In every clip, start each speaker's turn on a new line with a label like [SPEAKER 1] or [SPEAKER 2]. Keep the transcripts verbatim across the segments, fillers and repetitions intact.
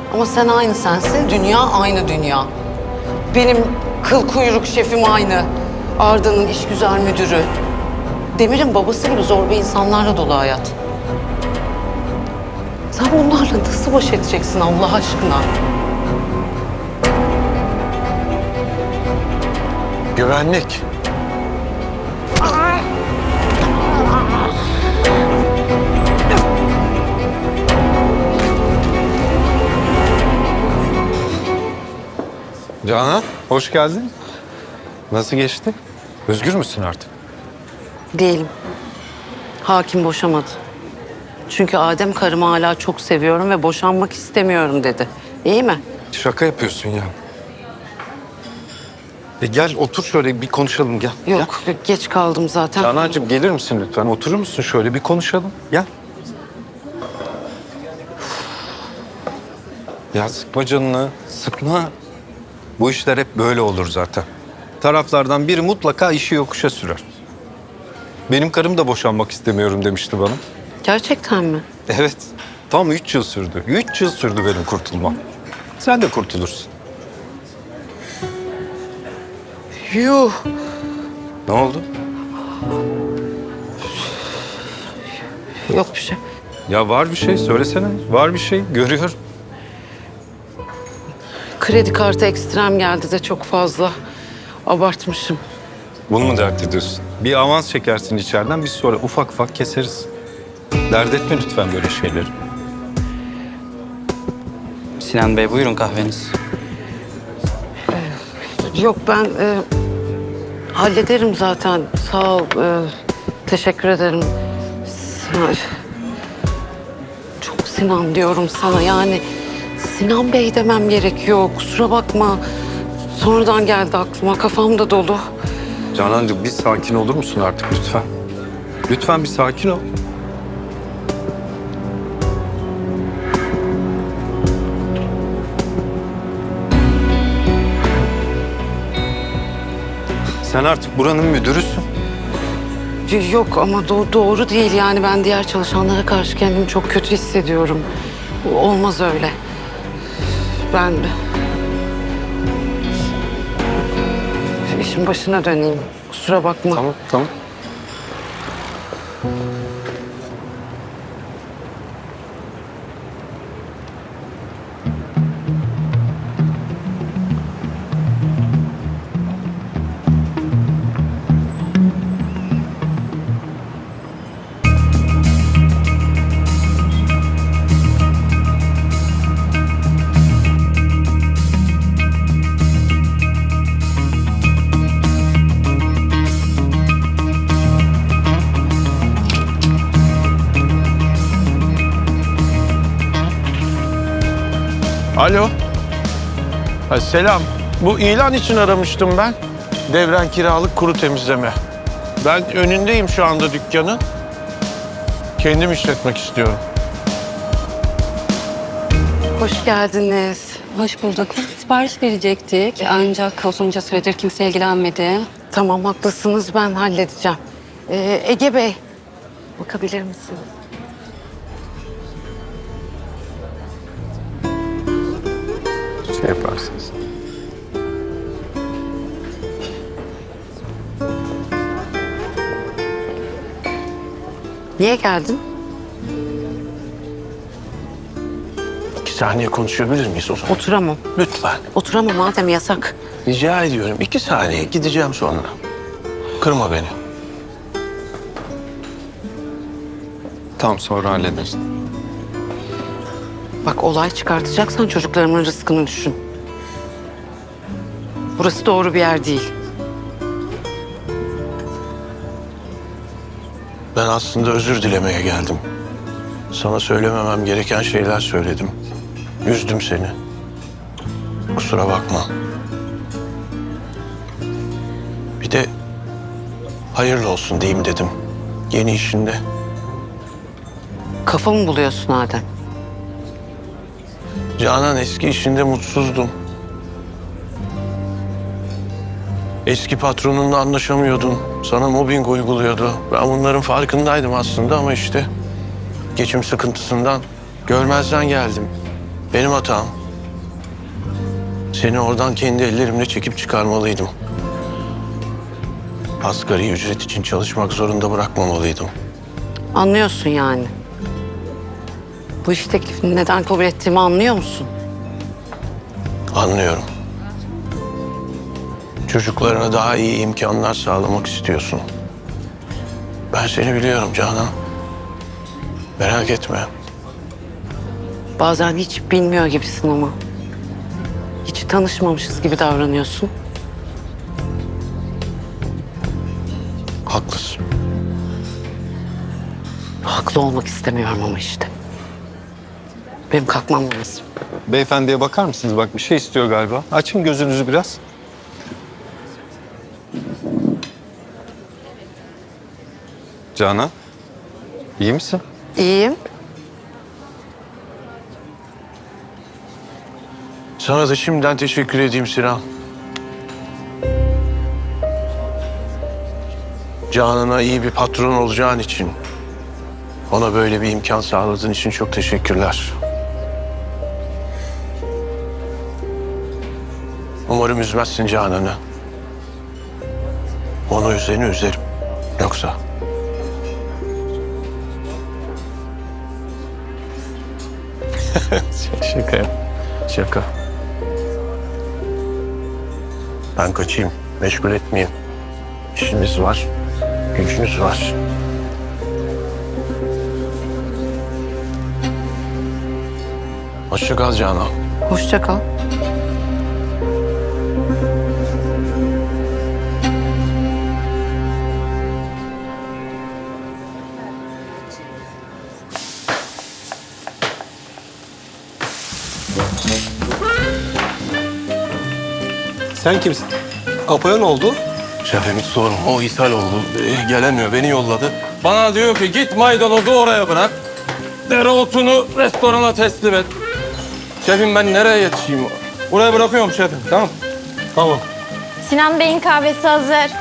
[SPEAKER 1] Ama sen aynı sensin, dünya aynı dünya. Benim kıl kuyruk şefim aynı. Arda'nın işgüzar müdürü. Demir'in babası gibi zorba insanlarla dolu hayat. Sen bunlarla nasıl baş edeceksin Allah aşkına?
[SPEAKER 2] Güvenlik. Canan, hoş geldin. Nasıl geçti? Özgür müsün artık?
[SPEAKER 1] Değilim. Hakim boşamadı. Çünkü Adem karımı hala çok seviyorum ve boşanmak istemiyorum dedi. İyi mi?
[SPEAKER 2] Şaka yapıyorsun ya. E gel otur şöyle bir konuşalım gel.
[SPEAKER 1] Yok, geç kaldım zaten.
[SPEAKER 2] Canancığım gelir misin lütfen? Oturur musun şöyle bir konuşalım? Gel. Ya sıkma canını, sıkma. Bu işler hep böyle olur zaten. Taraflardan biri mutlaka işi yokuşa sürer. Benim karım da boşanmak istemiyorum demişti bana.
[SPEAKER 1] Gerçekten mi?
[SPEAKER 2] Evet, tam üç yıl sürdü. Üç yıl sürdü benim kurtulmam. Sen de kurtulursun.
[SPEAKER 1] Yuh.
[SPEAKER 2] Ne oldu?
[SPEAKER 1] Yok bir şey.
[SPEAKER 2] Ya var bir şey, söylesene. Var bir şey, görüyorum.
[SPEAKER 1] Kredi kartı ekstrem geldi de çok fazla. Abartmışım.
[SPEAKER 2] Bunu mu dert ediyorsun? Bir avans çekersin içeriden, biz sonra ufak ufak keseriz. Dert etme lütfen böyle şeyleri.
[SPEAKER 3] Sinan Bey buyurun kahveniz.
[SPEAKER 1] Yok ben e, hallederim zaten. Sağ ol. e, teşekkür ederim. Sinan, çok Sinan diyorum sana yani. Sinan Bey demem gerekiyor. Kusura bakma. Sonradan geldi aklıma. Kafam da dolu.
[SPEAKER 2] Canancığım bir sakin olur musun artık lütfen? Lütfen bir sakin ol. Sen artık buranın müdürüsün.
[SPEAKER 1] Yok ama do- doğru değil yani. Ben diğer çalışanlara karşı kendimi çok kötü hissediyorum. Olmaz öyle. Ben işin başına döneyim. Kusura bakma.
[SPEAKER 2] Tamam, tamam.
[SPEAKER 4] Alo. Ha, selam. Bu ilan için aramıştım ben. Devren kiralık kuru temizleme. Ben önündeyim şu anda dükkanın. Kendim işletmek istiyorum.
[SPEAKER 1] Hoş geldiniz.
[SPEAKER 5] Hoş bulduk. Biz sipariş verecektik. Ancak uzunca süredir kimse ilgilenmedi.
[SPEAKER 1] Tamam haklısınız ben halledeceğim. Ee, Ege Bey bakabilir misiniz?
[SPEAKER 2] Şey yaparsınız.
[SPEAKER 1] Niye geldin?
[SPEAKER 4] İki saniye konuşabilir miyiz o zaman?
[SPEAKER 1] Oturamam.
[SPEAKER 4] Lütfen.
[SPEAKER 1] Oturamam madem yasak.
[SPEAKER 4] Rica ediyorum. İki saniye. Gideceğim sonra. Kırma beni.
[SPEAKER 2] Tamam sonra hallederiz.
[SPEAKER 1] Bak olay çıkartacaksan çocuklarımın rızkını düşün. Burası doğru bir yer değil.
[SPEAKER 4] Ben aslında özür dilemeye geldim. Sana söylememem gereken şeyler söyledim. Üzdüm seni. Kusura bakma. Bir de hayırlı olsun diyeyim dedim. Yeni işinde.
[SPEAKER 1] Kafamı buluyorsun Adem.
[SPEAKER 4] Canan eski işinde mutsuzdum. Eski patronunla anlaşamıyordun. Sana mobbing uyguluyordu. Ben bunların farkındaydım aslında ama işte geçim sıkıntısından görmezden geldim. Benim hatam. Seni oradan kendi ellerimle çekip çıkarmalıydım. Asgari ücret için çalışmak zorunda bırakmamalıydım.
[SPEAKER 1] Anlıyorsun yani. Bu iş teklifini neden kabul ettiğimi anlıyor musun?
[SPEAKER 4] Anlıyorum. Çocuklarına daha iyi imkanlar sağlamak istiyorsun. Ben seni biliyorum Canan. Merak etme.
[SPEAKER 1] Bazen hiç bilmiyor gibisin ama. Hiç tanışmamışız gibi davranıyorsun.
[SPEAKER 4] Haklısın.
[SPEAKER 1] Haklı olmak istemiyorum ama işte. Benim kalkmam lazım.
[SPEAKER 2] Beyefendiye bakar mısınız? Bak bir şey istiyor galiba. Açın gözünüzü biraz. Canan, iyi misin?
[SPEAKER 1] İyiyim.
[SPEAKER 4] Sana da şimdiden teşekkür edeyim Sinan. Canan'a iyi bir patron olacağın için, ona böyle bir imkan sağladığın için çok teşekkürler. Umarım üzmezsin Canan'ı. Onu üzeni üzerim. Yoksa... Şaka yap. Şaka. Ben kaçayım. Meşgul etmeyeyim. İşimiz var. Gücümüz var. Hoşça kal Canan.
[SPEAKER 1] Hoşça kal.
[SPEAKER 6] Sen kimsin? Apo'ya ne oldu?
[SPEAKER 7] Şefimiz sorun. O ishal oldu. Ee, gelemiyor. Beni yolladı. Bana diyor ki git maydanozu oraya bırak. Dereotunu restorana teslim et. Şefim ben nereye yetişeyim? Buraya bırakıyorum şefim. Tamam.
[SPEAKER 6] Tamam.
[SPEAKER 8] Sinan Bey'in kahvesi hazır.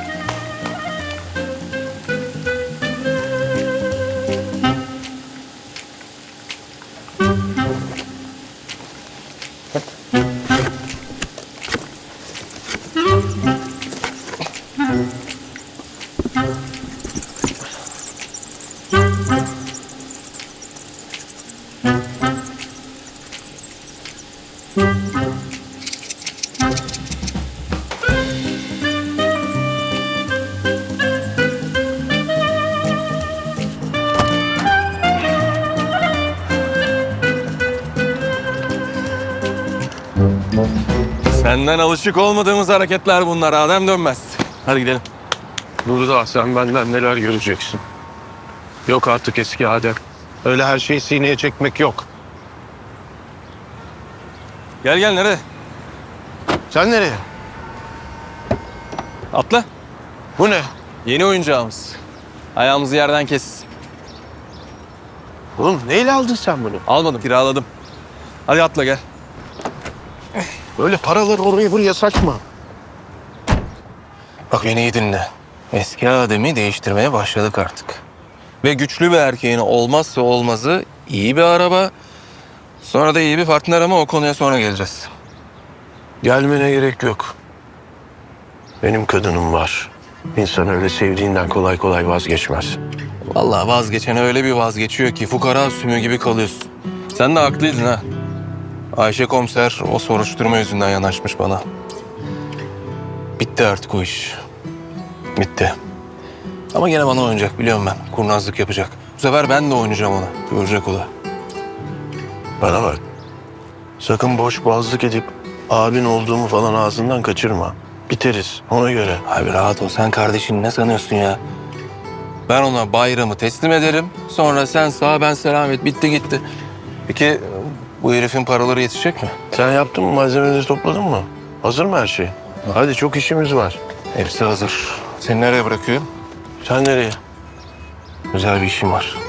[SPEAKER 7] Senden alışık olmadığımız hareketler bunlar. Adem dönmez. Hadi gidelim.
[SPEAKER 4] Burada sen benden neler göreceksin. Yok artık eski Adem. Öyle her şeyi sineye çekmek yok.
[SPEAKER 7] Gel gel nereye?
[SPEAKER 4] Sen nereye?
[SPEAKER 7] Atla.
[SPEAKER 4] Bu ne?
[SPEAKER 7] Yeni oyuncağımız. Ayağımızı yerden kes.
[SPEAKER 4] Oğlum neyle aldın sen bunu?
[SPEAKER 7] Almadım, kiraladım. Hadi atla gel.
[SPEAKER 4] Böyle paraları oraya buraya saçma.
[SPEAKER 7] Bak beni iyi dinle. Eski Adem'i değiştirmeye başladık artık. Ve güçlü bir erkeğin olmazsa olmazı iyi bir araba. Sonra da iyi bir partner ama o konuya sonra geleceğiz.
[SPEAKER 4] Gelmene gerek yok. Benim kadınım var. İnsan öyle sevdiğinden kolay kolay vazgeçmez.
[SPEAKER 7] Vallahi vazgeçen öyle bir vazgeçiyor ki fukara sümüğü gibi kalıyorsun. Sen de haklıydın ha. Ayşe komiser o soruşturma yüzünden yanaşmış bana. Bitti artık o iş. Bitti. Ama gene bana oynayacak biliyorum ben. Kurnazlık yapacak. Bu sefer ben de oynayacağım ona. Görecek o da.
[SPEAKER 4] Bana bak. Sakın boş boğazlık edip abin olduğumu falan ağzından kaçırma. Biteriz ona göre.
[SPEAKER 7] Abi rahat ol. Sen kardeşini ne sanıyorsun ya? Ben ona bayramı teslim ederim. Sonra sen sağ ben selamet. Bitti gitti. Peki bu herifin paraları yetişecek mi?
[SPEAKER 4] Sen yaptın mı, malzemeleri topladın mı? Hazır mı her şey? Hadi çok işimiz var.
[SPEAKER 7] Hepsi hazır. Seni nereye bırakıyorum?
[SPEAKER 4] Sen nereye?
[SPEAKER 7] Güzel bir işim var.